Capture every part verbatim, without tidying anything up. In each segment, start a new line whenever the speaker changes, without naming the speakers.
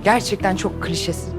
Gerçekten çok klişesin.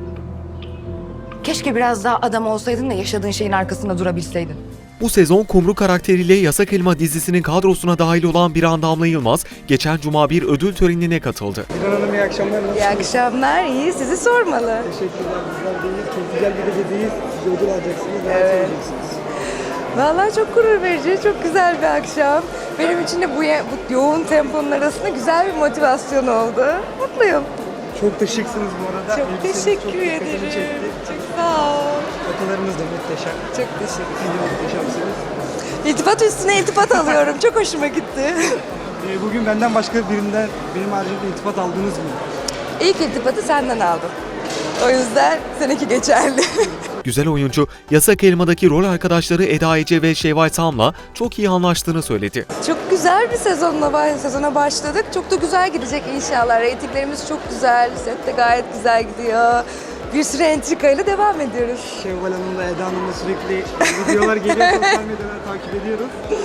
Keşke biraz daha adam olsaydın da yaşadığın şeyin arkasında durabilseydin.
Bu sezon Kumru karakteriyle Yasak Elma dizisinin kadrosuna dahil olan Biran Damla Yılmaz, geçen cuma bir ödül törenine katıldı.
Biran Hanım iyi akşamlar. Nasılsınız?
İyi akşamlar, iyi. Sizi sormalı.
Teşekkürler. Bizler deyiz. Çok güzel bir gecedeyiz. Siz ödül alacaksınız. Neler
Evet.
söyleyeceksiniz?
Vallahi çok gurur verici, çok güzel bir akşam. Benim için de bu, ye- bu yoğun temponun arasında güzel bir motivasyon oldu. Mutluyum.
Çok da şıksınız bu arada.
Çok
Elbiseniz
teşekkür
çok dikkatimi
ederim.
çekti.
Çok sağ ol.
Fotolarınız da muhteşem.
Çok teşekkür
Siz de muhteşemsiniz.
İltifat üstüne iltifat alıyorum. Çok hoşuma gitti.
Ee, bugün benden başka birinden, benim haricimde iltifat aldınız mı?
İlk iltifatı senden aldım. O yüzden seninki geçerli.
Güzel oyuncu, Yasak Elma'daki rol arkadaşları Eda Ece ve Şevval Sam'la çok iyi anlaştığını söyledi.
Çok güzel bir sezonla sezona başladık. Çok da güzel gidecek inşallah. Reytinglerimiz çok güzel. Set de gayet güzel gidiyor. Bir sürü entrikayla devam ediyoruz.
Şevval Hanım'la Eda Hanım'la sürekli videolar geliyor. Sosyal medyadan takip ediyoruz.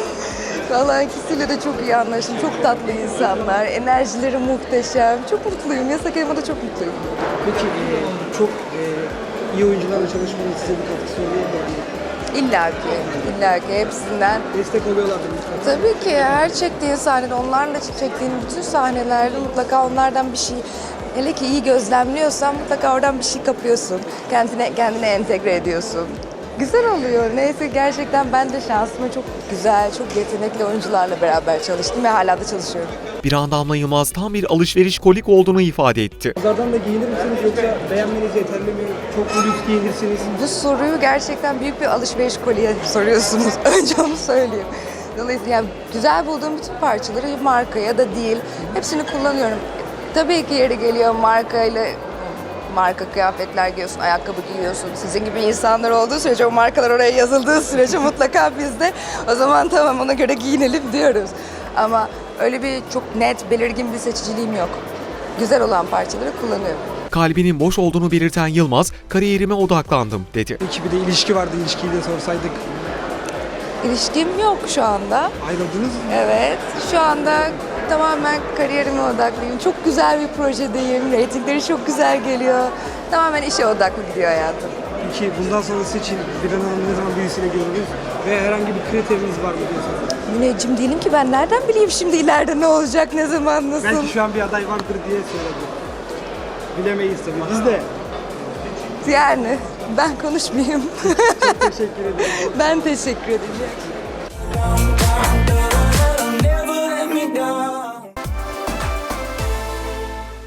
Vallahi ikisiyle de çok iyi anlaştım. Çok tatlı insanlar. Enerjileri muhteşem. Çok mutluyum. Yasak Elma'da çok mutluyum.
Peki e, çok e, iyi oyuncularla çalışmanın size bir katkısı oluyor mu? Yani
İlla ki, illa ki hepsinden.
destek oluyorlardır lütfen.
Tabii ki her çektiğin sahnede, onlarla çektiğin bütün sahnelerde mutlaka onlardan bir şey, hele ki iyi gözlemliyorsan mutlaka oradan bir şey kapıyorsun. Kendine, kendine entegre ediyorsun. Güzel oluyor. Neyse gerçekten ben de şansıma çok güzel, çok yetenekli oyuncularla beraber çalıştım ve hala da çalışıyorum.
Biran Damla Yılmaz tam bir alışveriş kolik olduğunu ifade etti.
Pazardan da giyinir misiniz yoksa beğenmeniz yeterli mi? Çok mu lüks giyinirsiniz?
Bu soruyu gerçekten büyük bir alışveriş kolye soruyorsunuz. Önce onu söyleyeyim. Dolayısıyla yani güzel bulduğum bütün parçaları marka ya da değil, hepsini kullanıyorum. Tabii ki yeri geliyor markayla, marka kıyafetler giyiyorsun, ayakkabı giyiyorsun. Sizin gibi insanlar olduğu sürece, o markalar oraya yazıldığı sürece mutlaka biz de o zaman tamam ona göre giyinelim diyoruz. Ama öyle bir çok net, belirgin bir seçiciliğim yok. Güzel olan parçaları kullanıyorum.
Kalbinin boş olduğunu belirten Yılmaz, kariyerime odaklandım dedi.
İki bir de ilişki vardı, ilişkiyi de sorsaydık.
İlişkim yok şu anda.
Ayrıldınız mı?
Evet, şu anda tamamen kariyerime odaklıyım. Çok güzel bir projedeyim, reytingleri çok güzel geliyor. Tamamen işe odaklı gidiyor hayatım.
Peki bundan sonrası için Biran Hanım'ı ne zaman birisine görürüz? Ve herhangi bir kriteriniz var mı diye soruyorum.
Müneccim değilim ki ben nereden bileyim şimdi ileride ne olacak, ne zaman, nasıl?
Belki şu an bir aday vardır diye söyledim. Bilemeyiz tabii. Biz de.
Yani ben konuşmayayım.
Çok teşekkür ederim.
Ben teşekkür ederim.